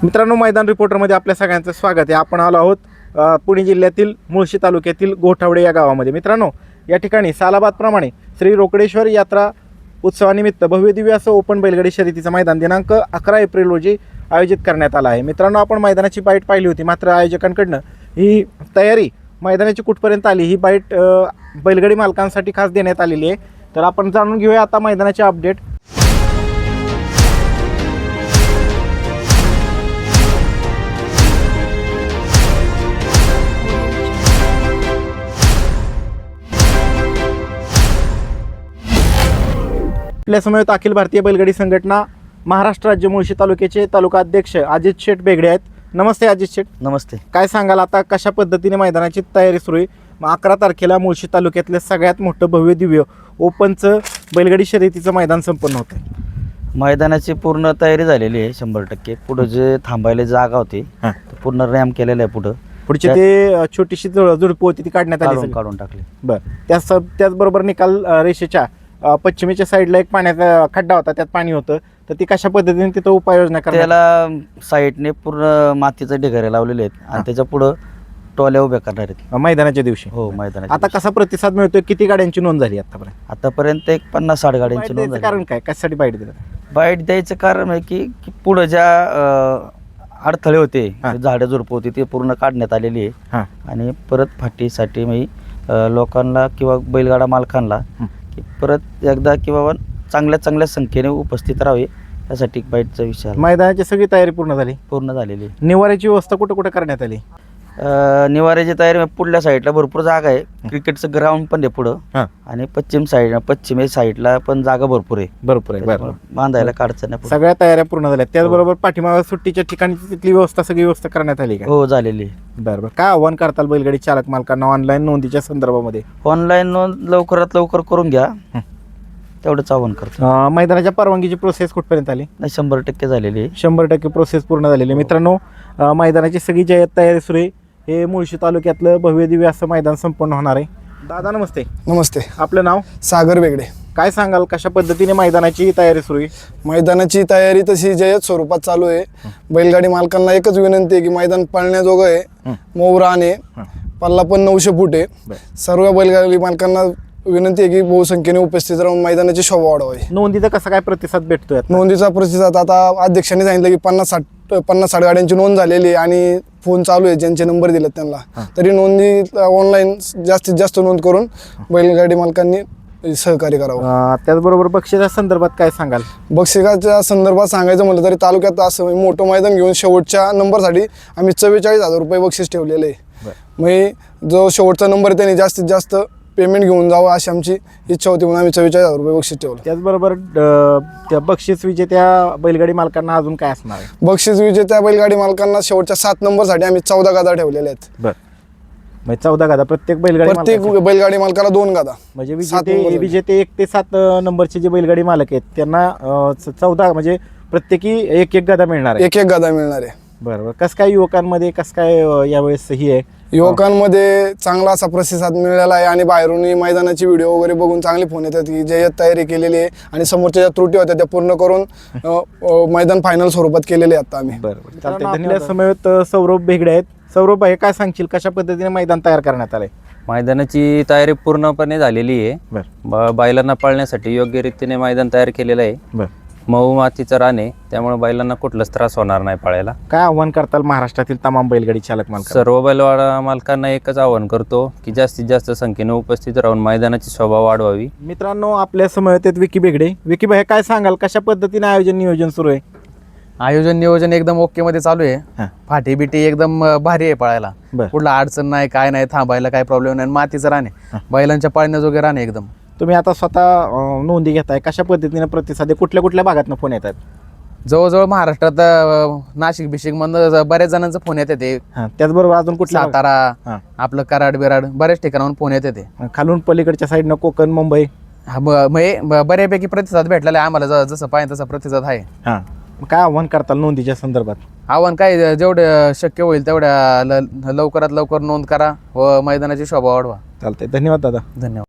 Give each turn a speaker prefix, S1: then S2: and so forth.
S1: मित्रांनो, मैदान रिपोर्टरमध्ये आपल्या सगळ्यांचं स्वागत आहे. आपण आलो आहोत पुणे जिल्ह्यातील मुळशी तालुक्यातील गोठावडे या गावामध्ये. मित्रांनो, या ठिकाणी सालाबादप्रमाणे श्री रोकडेश्वर यात्रा उत्सवानिमित्त भव्यदिव्य असं ओपन बैलगाडी शर्यतीचं मैदान दिनांक 11 एप्रिल रोजी आयोजित करण्यात आलं आहे. मित्रांनो, आपण मैदानाची बाईट पाहिली होती, मात्र आयोजकांकडनं ही तयारी मैदानाची कुठपर्यंत आली ही बाईट बैलगाडी मालकांसाठी खास देण्यात आलेली आहे. तर आपण जाणून घेऊया आता मैदानाचे अपडेट. आपल्या समवेत अखिल भारतीय बैलगाडी संघटना महाराष्ट्र राज्य मुळशी तालुक्याचे तालुका अध्यक्ष अजित शेठ बेगडे आहेत. नमस्ते अजित शेठ.
S2: नमस्ते.
S1: काय सांगाल आता कशा पद्धतीने मैदानाची तयारी सुरू आहे? 11 तारखेला मुळशी तालुक्यातलं सगळ्यात मोठं भव्य दिव्य ओपनचं बैलगाडी शर्यतीचं मैदान संपन्न होतं आहे.
S2: मैदानाची पूर्ण तयारी झालेली आहे 100%. पुढं जे थांबायला जागा होती पूर्ण रॅम्प केलेलं आहे.
S1: पुढची ते छोटीशी झुडपं होती ती काढण्यात आली,
S2: काढून टाकली.
S1: बरं, त्याचबरोबर निकाल रेषेच्या पश्चिमेच्या साईडला एक पाण्याचा खड्डा होता, त्यात पाणी होतं, तर ती कशा पद्धतीने तिथं उपाययोजना करण्यात?
S2: त्याला साईडने पूर्ण मातीचं ढिगारे लावलेले आहेत आणि त्याच्या पुढं टोल्या उभ्या करणार आहेत
S1: मैदानाच्या दिवशी.
S2: हो, मैदानाच्या
S1: आता कसा प्रतिसाद मिळतोय? किती गाड्यांची नोंद झाली
S2: आतापर्यंत एक 50-60 गाड्यांची नोंद झाली.
S1: कारण काय, कशासाठी बाईट दिलं?
S2: बाईट द्यायचं कारण आहे की पुढं ज्या अडथळे होते, झाडं झुडपं होती, ते पूर्ण काढण्यात आलेली आहे. आणि परत फाटीसाठी लोकांना किंवा बैलगाडा मालकांना की परत एकदा किंवा चांगल्या संख्येने उपस्थित राहावे यासाठी बाईटचा विचार.
S1: मैदानाची सगळी तयारी पूर्ण झालेली. निवाऱ्याची व्यवस्था कुठं कुठं करण्यात आली?
S2: निवाऱ्याची तयारी पुढल्या साईडला भरपूर जागा आहे. क्रिकेटचं ग्राउंड पण आहे पुढं आणि पश्चिम साईडला पण जागा भरपूर आहे. बांधायला काढचं नाही.
S1: सगळ्या तयाऱ्या पूर्ण झाल्या. त्याचबरोबर पाठीमागे सुट्टीच्या ठिकाणी तिथली सगळी व्यवस्था करण्यात आली का?
S2: हो, झालेली.
S1: बरोबर. काय आव्हान करताल बैलगाडी चालक मालकांना ऑनलाईन नोंदीच्या संदर्भामध्ये?
S2: ऑनलाईन नोंद लवकरात लवकर करून घ्या, तेवढंच आव्हान करतो.
S1: मैदानाच्या परवानगीची प्रोसेस कुठपर्यंत आली?
S2: 100% झालेली आहे.
S1: 100% प्रोसेस पूर्ण झालेली. मित्रांनो, मैदानाची सगळी जी तयारी सुरू आहे. हे मुळशी तालुक्यातलं भव्य दिव्य असं मैदान संपन्न होणार आहे. दादा नमस्ते.
S3: नमस्ते.
S1: आपलं नाव?
S3: सागर बेगडे.
S1: काय सांगाल कशा पद्धतीने मैदानाची तयारी सुरू आहे?
S3: मैदानाची तयारी तशी जय्यत स्वरूपात चालू आहे. बैलगाडी मालकांना एकच विनंती आहे की मैदान पाळण्याजोगं आहे, मऊ रान आहे, पल्ला पण 900 फूट आहे. सर्व बैलगाडी मालकांना विनंती आहे की बहुसंख्येने उपस्थित राहून मैदानाची शोभा वाढवावी.
S1: नोंदीचा कसा काय प्रतिसाद भेटतोय?
S3: नोंदीचा प्रतिसाद आता अध्यक्षांनी सांगितलं की 50-60 गाड्यांची नोंद झालेली आहे आणि फोन चालू आहे ज्यांचे नंबर दिलेत त्यांना. तरी नोंदी ऑनलाईन जास्तीत जास्त नोंद करून बैलगाडी मालकांनी सहकार्य करावं.
S1: त्याचबरोबर बक्षिसाच्या संदर्भात काय सांगाल?
S3: बक्षिसाच्या संदर्भात सांगायचं म्हटलं तरी तालुक्यात असं मोठं मैदान घेऊन शेवटच्या नंबरसाठी आम्ही 44,000 रुपये बक्षीस ठेवलेलं आहे. मग जो शेवटचा नंबर त्यांनी जास्तीत जास्त पेमेंट घेऊन जावं अशी आमची इच्छा होती, म्हणून आम्ही 44,000 रुपये बक्षीस ठेवलं.
S1: त्याचबरोबर त्या बक्षीस विजेत्या बैलगाडी मालकांना अजून काय असणार आहे?
S3: बक्षीस विजेत्या बैलगाडी मालकांना शेवटच्या 7 नंबरसाठी आम्ही 14 गादा ठेवलेल्या आहेत.
S1: बरं, 14 गादा प्रत्येक
S3: बैलगाडी मालकाला 2 गादा.
S1: म्हणजे विजेते 1 ते 7 नंबरचे जे बैलगाडी मालक आहेत त्यांना 14 म्हणजे प्रत्येकी एक गादा मिळणार आहे.
S3: एक गादा मिळणार आहे.
S1: बरोबर. कसं काय युवकांमध्ये कसं काय यावेळेस ही आहे?
S3: युवकांमध्ये चांगला असा प्रतिसाद मिळालेला आहे आणि बाहेरून मैदानाची व्हिडिओ वगैरे बघून चांगले फोन येतात की जय्यत तयारी केलेली आहे आणि समोरच्या ज्या त्रुटी होत्या त्या पूर्ण करून मैदान फायनल स्वरूपात केलेले आता आम्ही.
S1: बरोबर, चालतंय. धन्यवाद. समवेत सौरभ बेगडे आहेत. सौरभ भाई, काय सांगशील कशा पद्धतीने मैदान तयार करण्यात आलंय?
S4: मैदानाची तयारी पूर्णपणे झालेली आहे. बैलांना पळण्यासाठी योग्य रीतीने मैदान तयार केलेलं आहे. मऊ मातीचं रान आहे, त्यामुळे बैलांना कुठलाच त्रास होणार नाही पळायला.
S1: काय आव्हान करताल महाराष्ट्रातील तमाम बैलगाडी चालक मालक?
S4: सर्व बैलगाडा मालकांना एकच आवाहन करतो की जास्तीत जास्त संख्येने उपस्थित राहून मैदानाची शोभा वाढवावी.
S1: मित्रांनो, आपल्या समवेत आहेत विकी बेगडे. विकी भाई, काय सांगाल कशा पद्धतीने नियोजन सुरू आहे?
S5: आयोजन नियोजन एकदम ओके मध्ये चालू आहे. फाटी बिटी एकदम भारी आहे पळायला. कुठला अडचण नाही, काय नाही, थांबायला काय प्रॉब्लेम नाही. मातीचं रान आहे, बैलांच्या पाळण्याजोगे रान आहे एकदम.
S1: तुम्ही आता स्वतः नोंदी घेताय, कशा पद्धतीने प्रतिसाद आहे? कुठल्या भागातनं फोन येतात?
S5: जवळजवळ महाराष्ट्रात नाशिक बिशिक मधून बऱ्याच जणांचा फोन येते ते.
S1: त्याचबरोबर अजून कुठला?
S5: सातारा, आपलं कराड बिराड बऱ्याच ठिकाणाहून फोन येते ते.
S1: खालून पलीकडच्या साईडनं कोकण, मुंबई
S5: बऱ्यापैकी प्रतिसाद भेटलेला आहे आम्हाला. जसं पाहिजे तसा प्रतिसाद आहे.
S1: काय आव्हान करताल नोंदीच्या संदर्भात?
S5: आव्हान काय, जेवढं शक्य होईल तेवढ्या लवकरात लवकर नोंद करा व मैदानाची शोभा वाढवा.
S1: चालतंय. धन्यवाद दादा.
S5: धन्यवाद.